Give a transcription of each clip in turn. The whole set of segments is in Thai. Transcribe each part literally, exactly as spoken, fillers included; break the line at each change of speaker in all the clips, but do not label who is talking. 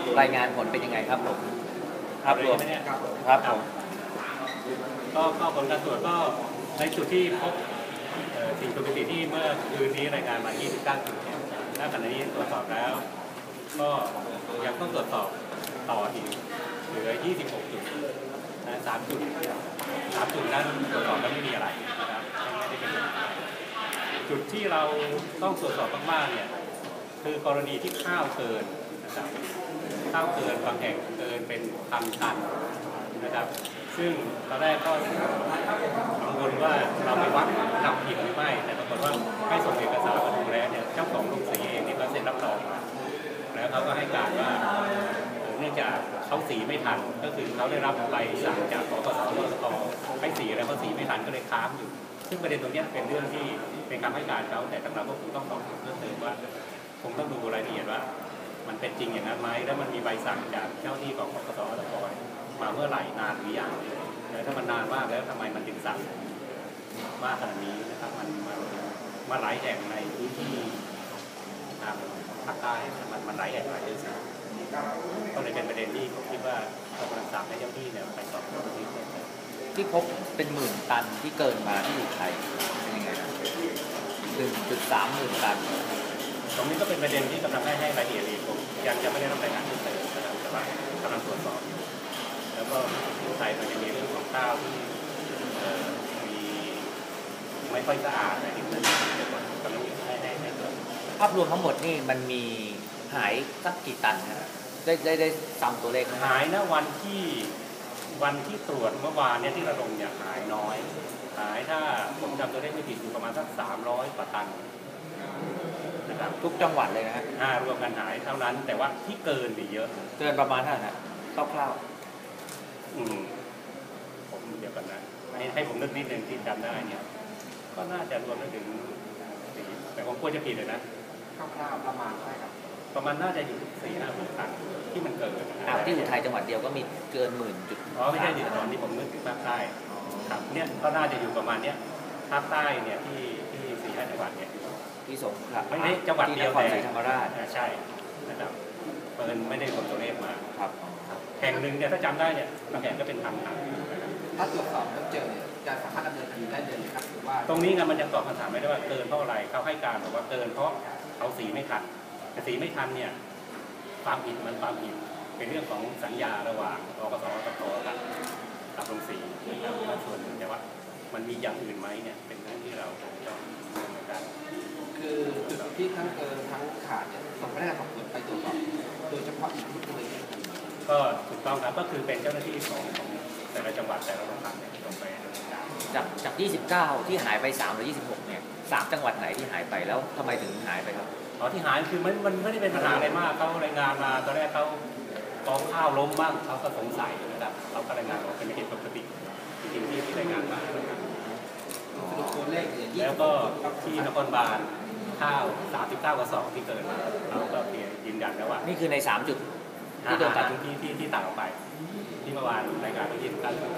รายงานผลเป็นยังไงครับผมครับรวมครับผม
ก็ก็ผลการตรวจก็ในจุดที่พบสิ่งปกติที่เมื่อคืนนี้รายงานมายี่สิบเก้าจุดเนี่ยณขณะนี้ตรวจสอบแล้วก็ยังต้องตรวจสอบต่ออีกเหลือยี่สิบหกจุดนะสามจุดสามจุดนั้นตรวจสอบแล้วไม่มีอะไรนะครับไม่ได้เป็นจุดที่เราต้องตรวจสอบมากๆเนี่ยคือกรณีที่ข้าวเกินนะครับข้าวเกินบางแห่งเกินเป็นพันตันนะครับซึ่งตอนแรกก็กังวลว่าเราไปวัดทำผิดหรือไม่แต่ปรากฏว่าให้ส่งเอกสารมาดูแล้วเนี่ยเจ้าของโรงสีเองเนี่ยก็เซ็นรับรองมาแล้วเขาก็ให้การว่าเนื่องจากเขาสีไม่ทันก็คือเขาได้รับใบสั่งจากกกส.รสต.ให้สีแล้วเขาสีไม่ทันก็เลยค้างอยู่ซึ่งประเด็นตรงนี้เป็นเรื่องที่เป็นคำให้การเขาแต่ทางเราก็คงต้องสอบเพิ่มเติมว่าคงต้องดูรายละเอียดว่ามันเป็นจริงอย่างนั้นไหมแล้วมันมีใบสั่งจากเจ้าที่ของกกส.รสต.มาเมื่อไหร่นานหรือยังแล้วถ้ามันนานมากแล้วทำไมมันถึงสั่งมากขนาดนี้นะครับมันมามาหลายแห่งในพื้นที่ทางภาคใต้มันมันหลายแห่งหลายจังหวัดก็เลยเป็นประเด็นที่ผมคิดว่าเรากำลังสั่งให้เจ้าที่เนี่ยไปสอบสวนที่
ที่พบเป็นหมื่นตันที่เกินมาที่อยู่ไทยเป็นยังไงหนึ่งจุดสามหมื่นตัน
ตรงนี้ก็เป็นประเด็นที่กำลังให้ให้รายละเอียดอีกผมยังจะไม่ได้รับรายงานเพิ่มเติมนะครับแต่ว่ากำลังตรวจสอบอยู่แล้วก็ที่ไทยมันจะมีเรื่องของข้าวที่มีไม่ค่อยสะอาดอะไรที่มันกำลังให้ให้ให้ตรวจ
ภาพรวมทั้งหมดนี่มันมีหายสักกี่ตันครับได้ได้ได้ซ้ำตัวเลขไหม
หายนะวันที่วันที่ตรวจเมื่อวานเนี่ยที่ระดมเนี่ยหายน้อยหายถ้าผมจำตัวเลขไม่ผิดอยู่ประมาณสักสามร้อยกว่าตันนะครับ
ทุกจังหวัดเลยนะฮะ
รวมกันหายเท่านั้นแต่ว่าที่เกินไปเยอะ
เกินประมาณเท่าไหร่นะคร่าว
ๆอืมผมเดี๋ยวกันนะให้ให้ผมนึกนิดนึงที่จำได้เนี่ยก็น่าจะรวมถึงแต่ผมควรจะผิดเลยนะ
คร่าวๆประมาณใช่ครับ
ประมาณน่าจะอยู่สี่ห้าหมื่นตันที่มันเกิด
อ่าที่อุทัยจังหวัดเดียวก็มีเกินหมื่นจุด
อ๋อไม่ใช่ดิตอนที่ผมนึกถึงภาคใต้ครับเนี่ยก็น่าจะอยู่ประมาณเนี้ยภาคใต้เนี่ยที่ที่สี่ห้าจังหวัดเนี่ย
ที่สงขลา
ไม่ใช่จังหวัดเดียว
แต่ธรรมราช
ใช่นะครับเปิดไม่ได้คนตัวเลขมา
ครับ
แห่งหนึ่งเนี่ยถ้าจำได้เนี่ยบางแห่งก็เป็นพันตัน
ถ้าตรวจสอบแล้วเจอเนี่ยจะสามารถดำเนินคดีได้เลยครับหรือว่า
ตรงนี้ไงมันยังตอบคำถามไม่ได้ว่าเกินเพราะอะไรเขาให้การบอกว่าเกินเพราะเขาสีไม่ทันแต่สีไม่ทันเนี่ยความผิดมันความผิดเป็นเรื่องของสัญญาระหว่างกกส.รสต.กับกับโรงสีนะครับส่วนหนึ่งแต่ว่ามันมีอย่างอื่นไหมเนี่ยเป็นเรื่องที่เราต้องดำเนินการ
คือจุดที่ทั้งเกินทั้งขาดเนี่ยส่งพนักงานสอบสวนไปตรวจสอบโดยเฉพาะอีกที่เลย
ก็ถูกต้องครับก็คือเป็นเจ้าหน้าที่ของแต่ละจังหวัดแต่ละโรงพักเนี่ยลงไปดำเนินการ
จากจากยี่สิบเก้าที่หายไปสามหรือยี่สิบหกเนี่ยสามจังหวัดไหนที่หายไปแล้วทำไมถึงหายไปครับ
อ๋อที่หายคือมันมันไม่ได้เป็นปัญหาอะไรมากเขารายงานมาตอนแรกเขากองข้าวล้มบ้างเขาก็สงสัยนะครับเขาก็รายงานว่าเป็นเหตุปกติจริงๆที่ที่รายงานมา
ตัวเลข
แล้วก็ที่นครบาลข้าวสามสิบเก้ากระสอบที่เกิดเราก็เพียงยืนยันแล้วว่า
นี่คือในสามจุดที่โดนตัด
ที่ที่ที่ต่างออกไปที่เมื่อวานรายงานไปยี่สิบเก้าจุด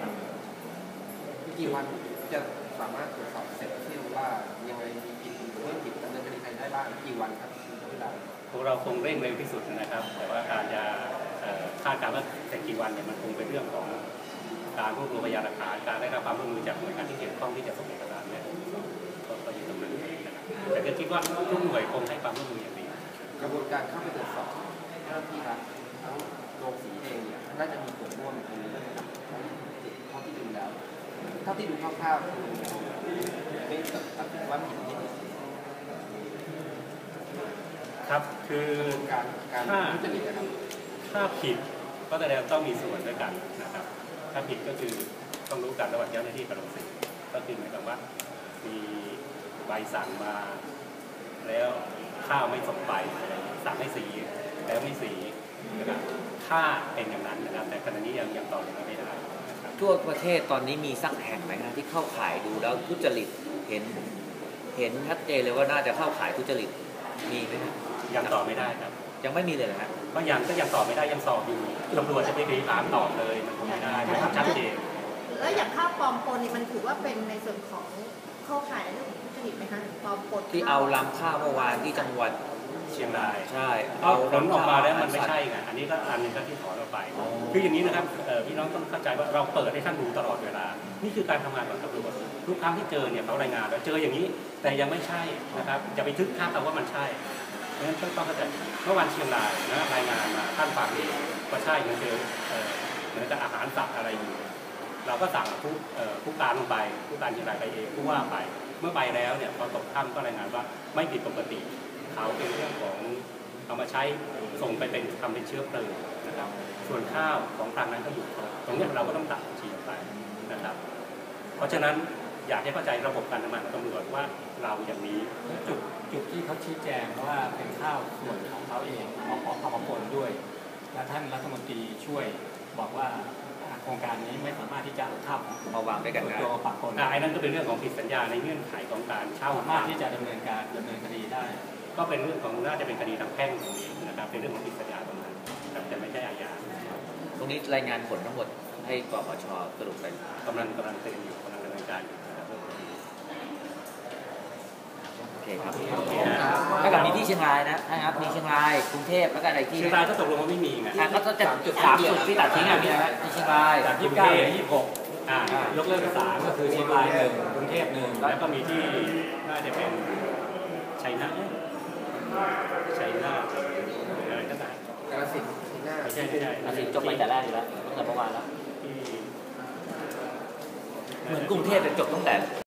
กี่วันจะสามารถตรวจสอบเสร็จที่ว่ายังไงมีผิดหรือไม่ผิดดำเนินคดีใครได้บ้างกี่วันครับเวลา
พวกเราคงเร่งเร็วที่สุดนะครับแต่ว่าการจะคาดการณ์ว่าจะกี่วันเนี่ยมันคงเป็นเรื่องของการรวบรวมพยานหลักฐานการได้รับความร่วมมือจากหน่วยงานที่เกี่ยวข้องที่จะส่งเอกสารเนี่ยก็อยู่ตรงนั้นนะครับแต่ก็คิดว่าทุกหน่วยคงให้ความร่วมมืออย่างดี
กระบวนการเข้าไปตรวจสอบเจ้าหน้าที่รัฐทั้งโรงสีเองเนี่ยน่าจะมีส่วนร่วมในเรื่องนี้เท่าที่ดูแล้วเท่าที่ดูคร่าวๆไม่ตัดสินว่าผิดนิด
ครับคือ
การการทุจริตนะครับ
ถ้าผิดก็แสดงต้องมีส่วนด้วยกันนะครับถ้าผิดก็คือต้องรู้กันระหว่างเจ้าหน้าที่กับโรงสีก็คือหมายความว่ามีใบสั่งมาแล้วข้าวไม่ส่งไปสั่งให้สีแล้วไม่สีนะครับถ้าเป็นอย่างนั้นนะครับแต่ขณะนี้ยังยังตอบยังไม่ได้
ทั่วประเทศตอนนี้มีสักแห่งไหมนะที่เข้าข่ายดูแล้วทุจริตเห็นเห็นชัดเจนเลยว่าน่าจะเข้าข่ายทุจริตมีไหมครับ
ยังตอบไม่ได้ครับ
ยังไม่มีเลยนะ
บางอย่างก็ยังตอบไม่ได้ยังสอบอยู่ตำรวจจะไปตีถามตอบเลยมันไม่ได้ไม่ชัดเจน
แล้วอย่างข้าวปลอมปนนี่มันถือว่าเป็นในส่วนของเข้าข่ายเรื่องทุจริตไหมคะปลอมปน
ที่เอาลำข้าวเมื่อวานที่จังหวัด
เชียงราย
ใช่
เอาผลออกมาแล้วมันไม่ใช่ไงอันนี้ก็อันหนึงก็ที่ถอนออกไปคืออย่างนี้นะครับเอ่อพี่น้องต้องเข้าใจว่าเราเปิดให้ท่านดูตลอดเวลานี่คือการทำงานของตำรวจทุกครั้งที่เจอเนี่ยเขารายงานแล้วเจออย่างนี้แต่ยังไม่ใช่นะครับจะไปทึกทักเอาว่ามันใช่เพราะฉะนั้นต้องเข้าใจเมื่อวันเชียงรายนะรายงานมาท่านฟังก็ใช่เหมือนเจอเอ่อเหมือนกับอาหารสัตว์อะไรอยู่เราก็สั่งผู้เอ่อผู้การลงไปผู้การเชียงรายไปเองผู้ว่าไปเมื่อไปแล้วเนี่ยพอตกค่ำก็รายงานว่าไม่ผิดปกติเขาเป็นเรื่องของเอามาใช้ส่งไปเป็นทำเป็นเชื้อเพลิงนะครับส่วนข้าวของทางนั้นก็อยู่ครบตรงนี้เราก็ต้องตัดฉีดไปนะครับเพราะฉะนั้นอยากให้เข้าใจระบบการทำงานของตำรวจว่าเราอย่างนี้
จุดจุดที่เขาชี้แจงว่าเป็นข้าวส่วนของเขาเองเอาของเอามาปนด้วยและท่านรัฐมนตรีช่วยบอกว่าโครงการนี้ไม่สามารถที่จะเอาข้าวของ
มาวางด้วยกันได้
ตัวมาปะปน
อ่าไอ้นั่นก็เป็นเรื่องของผิดสัญญาในเงื่อนไขของการเช่า
สามารถที่จะดำเนินการดำเนินคดีได้
ก็เป็นเรื่องของน่าจะเป็นคดีทางแพ่งตรงนี้นะครับเป็นเรื่องของผิดสัญญาตรงนั้นครับแต่ไม่ใช่อาญา
ตรงนี้รายงานผลทั้งหมดให้กปชสรุปไป
กำลังกำลังเตือนอยู่กำลังดำเนินการอยู่นะครับ
โอเคครับถ้ากับมีที่เชียงรายนะนะครับมีเชียงรายกรุงเทพแล้วก็อะไรที่
เชียงรายก็ตกลงว่าไม่มีไง
อ่ะก็จะจุดสามจุดที่ตัดทิ้งอ่ะมีอะไรที่เชียงราย
จากยี่สิบเก้าเหลือยี่สิบหก
อ่าย
กเลิกไปสามก็คือเชียงรายหนึ่งกรุงเทพหนึ่ง
แล้วก็มีที่น่าจะเป็นชัยนาทชัยนาทหรืออะไรก็ได้
กาฬสินธุ์ที่หน้า
ไม่ใช่ไม่ใช่
ตัดสินจบไปแต่แรกอยู่แล้วตั้งแต่เมื่อวานแล้ว
ที่
เหมือนกรุงเทพจะจบตั้งแต่